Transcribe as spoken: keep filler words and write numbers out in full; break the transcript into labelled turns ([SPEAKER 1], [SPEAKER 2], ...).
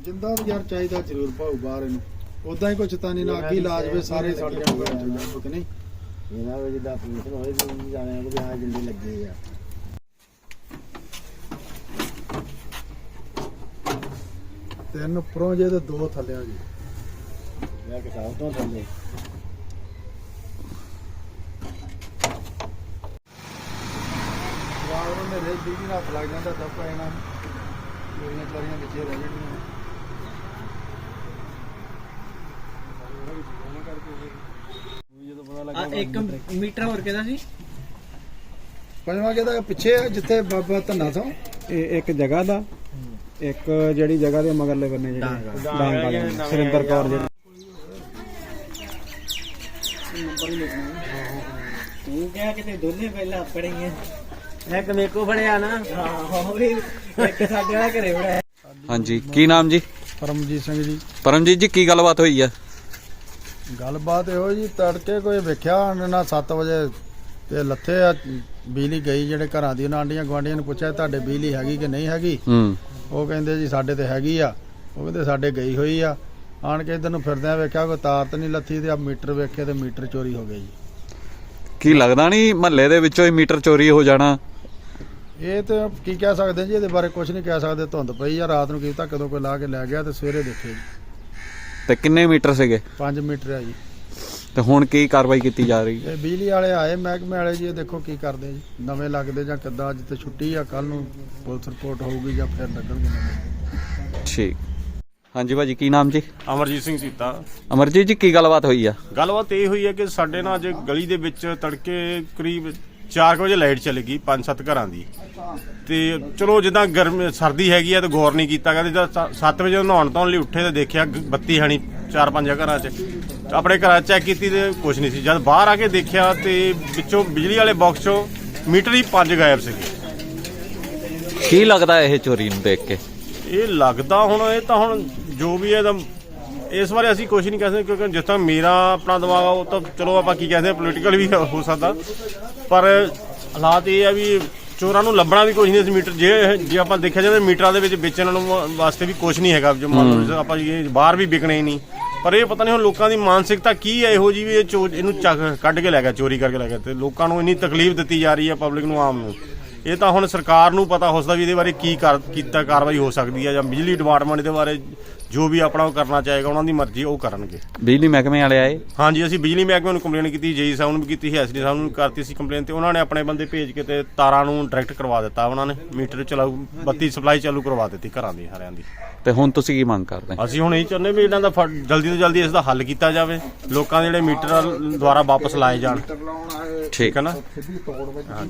[SPEAKER 1] ਜਿੰਦਾ ਯਾਰ ਚਾਹੀਦਾ ਜ਼ਰੂਰ ਭਾਉ ਬਾਹਰ ਇਹਨੂੰ ਉਦਾਂ ਹੀ ਕੁਛ ਤਾਂ ਨਹੀਂ ਨਾ ਅੱਗੀ ਲਾਜ ਵੇ ਸਾਰੇ ਸੜ ਜਾਣਗੇ ਕਿ ਨਹੀਂ
[SPEAKER 2] ਇਹਨਾਂ ਵਿੱਚ ਦਾ ਆਪਰੇਸ਼ਨ ਹੋਏ ਵੀ ਜਾਣੇ ਕਿ ਹਾਂ ਜਿੰਦੇ ਲੱਗੇ ਆ
[SPEAKER 1] ਤਿੰਨ ਉੱਪਰੋਂ ਜੇ ਤੇ ਦੋ ਥੱਲਿਆਂ ਜੀ
[SPEAKER 2] ਮੈਂ ਕਿ ਸਾਹ ਤੋਂ ਥੱਲੇ
[SPEAKER 1] ਵਾਹ ਨੇ ਰੇਤ ਦੀ ਨਾ ਲੱਗ ਜਾਂਦਾ ਦੱਪਾ ਇਹਨਾਂ ਮੇਰੀਆਂ ਚਾਰੀਆਂ ਵਿੱਚ ਰਹਿ ਜਾਣੀਆਂ
[SPEAKER 3] ਇੱਕ ਮੀਟਰ ਹੋਰ ਕਿਹਦਾ ਸੀ
[SPEAKER 1] ਪੰਜਵਾਂ ਕਿਹਦਾ ਪਿੱਛੇ ਜਿੱਥੇ ਬਾਬਾ ਧੰਨਾ ਤੋਂ
[SPEAKER 4] ਇਹ ਇੱਕ ਜਗ੍ਹਾ ਦਾ ਇੱਕ ਜਿਹੜੀ ਜਗ੍ਹਾ ਦੇ ਮਗਰਲੇ ਬੰਨੇ ਜਿਹੜੀ ਡਾਂਗ ਵਾਲੇ ਸੁਰਿੰਦਰ ਕੌਰ ਜਿਹੜੀ
[SPEAKER 3] ਤੂੰ ਕਿਹਾ ਕਿਤੇ ਦੋਨੇ ਪਹਿਲਾਂ ਆਪਣੇ ਹੀ ਐ ਇੱਕ ਮੇਕੋ ਫੜਿਆ ਨਾ ਹਾਂ ਉਹ ਵੀ ਇੱਕ ਸਾਡੇ ਵਾਲਾ ਘਰੇ ਫੜਿਆ।
[SPEAKER 5] ਹਾਂਜੀ ਕੀ ਨਾਮ ਜੀ?
[SPEAKER 1] ਪਰਮਜੀਤ ਸਿੰਘ ਜੀ।
[SPEAKER 5] ਪਰਮਜੀਤ ਜੀ ਕੀ ਗੱਲਬਾਤ ਹੋਈ ਆ?
[SPEAKER 1] ਗੱਲਬਾਤ ਇਹੋ ਜੀ ਤੜਕੇ ਕੋਈ ਵੇਖਿਆ ਨਾ ਸੱਤ ਵਜੇ ਤੇ ਲੱਥੇ ਆ ਬਿਜਲੀ ਗਈ ਜਿਹੜੇ ਘਰਾਂ ਦੀ ਉਹਨਾਂ ਆਂਡੀਆਂ ਗਵਾਂਡੀਆਂ ਨੂੰ ਪੁੱਛਿਆ ਤੁਹਾਡੇ ਬਿਜਲੀ ਹੈਗੀ ਕਿ ਨਹੀਂ ਹੈਗੀ
[SPEAKER 5] ਹੂੰ
[SPEAKER 1] ਉਹ ਕਹਿੰਦੇ ਜੀ ਸਾਡੇ ਤੇ ਹੈਗੀ ਆ ਉਹ ਕਹਿੰਦੇ ਸਾਡੇ ਗਈ ਹੋਈ ਆ ਆਣ ਕੇ ਇਧਰ ਨੂੰ ਫਿਰਦਿਆਂ ਵੇਖਿਆ ਕੋਈ ਤਾਰ ਤੇ ਨਹੀਂ ਲੱਥੀ ਤੇ ਆ ਮੀਟਰ ਵੇਖੇ ਤੇ ਮੀਟਰ ਚੋਰੀ ਹੋ ਗਿਆ ਜੀ।
[SPEAKER 5] ਕੀ ਲੱਗਦਾ ਨਹੀਂ ਮਹੱਲੇ ਦੇ ਵਿੱਚੋਂ ਹੀ ਮੀਟਰ ਚੋਰੀ ਹੋ ਜਾਣਾ?
[SPEAKER 1] ਇਹ ਤੇ ਕੀ ਕਹਿ ਸਕਦੇ ਜੀ ਇਹਦੇ ਬਾਰੇ ਕੁਝ ਨਹੀਂ ਕਹਿ ਸਕਦੇ ਧੁੰਦ ਪਈ ਆ ਰਾਤ ਨੂੰ ਕੀਤਾ ਕਦੋਂ ਕੋਈ ਲਾ ਕੇ ਲੈ ਗਿਆ ਤੇ ਸਵੇਰੇ ਦੇਖੇ ਜੀ
[SPEAKER 5] ਤੇ ਕਿੰਨੇ ਮੀਟਰ ਸੀਗੇ?
[SPEAKER 1] ਪੰਜ ਮੀਟਰ ਆ ਜੀ।
[SPEAKER 5] ਤੇ ਹੁਣ ਕੀ ਕਾਰਵਾਈ ਕੀਤੀ ਜਾ ਰਹੀ ਹੈ?
[SPEAKER 1] ਇਹ ਬਿਜਲੀ ਵਾਲੇ ਆਏ ਮਹਿਕਮੇ ਵਾਲੇ ਜੀ ਇਹ ਦੇਖੋ ਕੀ ਕਰਦੇ ਜੀ ਨਵੇਂ ਲੱਗਦੇ ਜਾਂ ਕਿੱਦਾਂ ਅੱਜ ਤੇ ਛੁੱਟੀ ਆ ਕੱਲ ਨੂੰ ਪੁਲਿਸ ਰਿਪੋਰਟ ਹੋਊਗੀ ਜਾਂ ਫਿਰ ਲੱਗਣਗੇ ਨਵੇਂ।
[SPEAKER 5] ਠੀਕ ਹਾਂਜੀ ਭਾਜੀ ਕੀ ਨਾਮ ਜੀ?
[SPEAKER 6] ਅਮਰਜੀਤ ਸਿੰਘ ਸੀਤਾ।
[SPEAKER 5] ਅਮਰਜੀਤ ਜੀ ਕੀ ਗੱਲਬਾਤ ਹੋਈ ਆ?
[SPEAKER 6] ਗੱਲਬਾਤ ਇਹ ਹੋਈ ਹੈ ਕਿ ਸਾਡੇ ਨਾਲ ਅੱਜ ਗਲੀ ਦੇ ਵਿੱਚ ਤੜਕੇ ਕਰੀਬ ਚਾਰ ਵਜੇ ਲਾਈਟ ਚਲੀ ਗਈ ਪੰਜ ਸੱਤ ਘਰਾਂ ਦੀ ਤੇ ਚਲੋ ਜਿੱਦਾਂ ਗਰਮ ਸਰਦੀ ਹੈਗੀ ਆ ਤੇ ਗੌਰ ਨਹੀਂ ਕੀਤਾ ਕਹਿੰਦੇ ਜਦ ਸੱਤ ਵਜੇ ਨਹਾਉਣ ਧੋਣ ਲਈ ਉੱਠੇ ਤੇ ਦੇਖਿਆ ਬੱਤੀ ਹੈ ਨਹੀਂ ਚਾਰ ਪੰਜ ਘਰਾਂ 'ਚ ਆਪਣੇ ਘਰਾਂ ਚੈੱਕ ਕੀਤੀ ਤੇ ਕੁਛ ਨਹੀਂ ਸੀ ਜਦ ਬਾਹਰ ਆ ਕੇ ਦੇਖਿਆ ਤੇ ਵਿੱਚੋਂ ਬਿਜਲੀ ਵਾਲੇ ਬਾਕਸ 'ਚੋਂ ਮੀਟਰ ਹੀ ਪੰਜ ਗਾਇਬ ਸੀਗੇ।
[SPEAKER 5] ਕੀ ਲੱਗਦਾ ਇਹ ਚੋਰੀ ਨੂੰ ਦੇਖ ਕੇ?
[SPEAKER 6] ਇਹ ਲੱਗਦਾ ਹੁਣ ਇਹ ਤਾਂ ਹੁਣ ਜੋ ਵੀ ਹੈ ਤਾਂ ਇਸ ਬਾਰੇ ਅਸੀਂ ਕੁਝ ਨਹੀਂ ਕਹਿ ਸਕਦੇ ਕਿਉਂਕਿ ਜਿਸ ਤਰ੍ਹਾਂ ਮੇਰਾ ਆਪਣਾ ਦਿਮਾਗ ਆ ਉਹ ਤਾਂ ਚਲੋ ਆਪਾਂ ਕੀ ਕਹਿੰਦੇ ਪੋਲੀਟੀਕਲ ਵੀ ਹੋ ਸਕਦਾ ਪਰ ਹਾਲਾਤ ਇਹ ਆ ਵੀ ਚੋਰਾਂ ਨੂੰ ਲੱਭਣਾ ਵੀ ਕੁਝ ਨਹੀਂ ਸੀ ਮੀਟਰ ਜੇ ਜੇ ਆਪਾਂ ਦੇਖਿਆ ਜਾਵੇ ਮੀਟਰਾਂ ਦੇ ਵਿੱਚ ਵੇਚਣ ਨੂੰ ਵਾਸਤੇ ਵੀ ਕੁਝ ਨਹੀਂ ਹੈਗਾ ਜੋ ਮੰਨ ਲਓ ਆਪਾਂ ਇਹ ਬਾਹਰ ਵੀ ਵਿਕਣੇ ਨਹੀਂ ਪਰ ਇਹ ਪਤਾ ਨਹੀਂ ਹੁਣ ਲੋਕਾਂ ਦੀ ਮਾਨਸਿਕਤਾ ਕੀ ਹੈ ਇਹੋ ਜਿਹੀ ਵੀ ਇਹ ਚੋਰ ਇਹਨੂੰ ਚੱਕ ਕੱਢ ਕੇ ਲੈ ਗਿਆ ਚੋਰੀ ਕਰਕੇ ਲੈ ਗਿਆ ਤੇ ਲੋਕਾਂ ਨੂੰ ਇੰਨੀ ਤਕਲੀਫ ਦਿੱਤੀ ਜਾ ਰਹੀ ਹੈ ਪਬਲਿਕ ਨੂੰ ਆਮ ਨੂੰ ਇਹ ਤਾਂ ਹੁਣ ਸਰਕਾਰ ਨੂੰ ਪਤਾ ਹੋ ਸਕਦਾ ਵੀ ਇਹਦੇ ਬਾਰੇ ਕੀ ਕਰ ਕੀਤਾ ਕਾਰਵਾਈ ਹੋ ਸਕਦੀ ਹੈ ਜਾਂ ਬਿਜਲੀ ਡਿਪਾਰਟਮੈਂਟ ਦੇ ਬਾਰੇ ਜੋ ਵੀ ਆਪਣਾ ਉਹ ਕਰਨਾ ਚਾਹੇਗਾ ਉਹਨਾਂ ਦੀ ਮਰਜ਼ੀ ਉਹ ਕਰਨਗੇ।
[SPEAKER 5] ਬਿਜਲੀ ਮਹਿਕਮੇ ਵਾਲੇ ਆਏ? ਹਾਂਜੀ
[SPEAKER 6] ਅਸੀਂ ਬਿਜਲੀ ਮਹਿਕਮੇ ਨੂੰ ਕੰਪਲੇਨ ਕੀਤੀ ਜੇਈ ਸਾਹਿਬ ਨੂੰ ਵੀ ਕੀਤੀ ਸੀ ਐਸਡੀ ਸਾਹਿਬ ਨੂੰ ਕਰਤੀ ਸੀ ਕੰਪਲੇਨ ਤੇ ਉਹਨਾਂ ਨੇ ਆਪਣੇ ਬੰਦੇ ਭੇਜ ਕੇ ਤੇ ਤਾਰਾਂ ਨੂੰ ਡਾਇਰੈਕਟ ਕਰਵਾ ਦਿੱਤਾ ਉਹਨਾਂ ਨੇ ਮੀਟਰ ਚਲਾਉ ਬੱਤੀ ਸਪਲਾਈ ਚਾਲੂ ਕਰਵਾ ਦਿੱਤੀ ਘਰਾਂ ਦੀ ਸਾਰਿਆਂ ਦੀ।
[SPEAKER 5] ਤੇ ਹੁਣ ਤੁਸੀਂ ਕੀ ਮੰਗ ਕਰਦੇ?
[SPEAKER 6] ਅਸੀਂ ਹੁਣ ਇਹ ਚਾਹੁੰਦੇ ਵੀ ਇਹਨਾਂ ਦਾ ਜਲਦੀ ਤੋਂ ਜਲਦੀ ਇਸ ਦਾ ਹੱਲ ਕੀਤਾ ਜਾਵੇ ਲੋਕਾਂ ਦੇ ਜਿਹੜੇ ਮੀਟਰ ਦੁਆਰਾ ਵਾਪਸ ਲਾਏ ਜਾਣ।
[SPEAKER 5] ਠੀਕ
[SPEAKER 6] ਹੈ ਨਾ।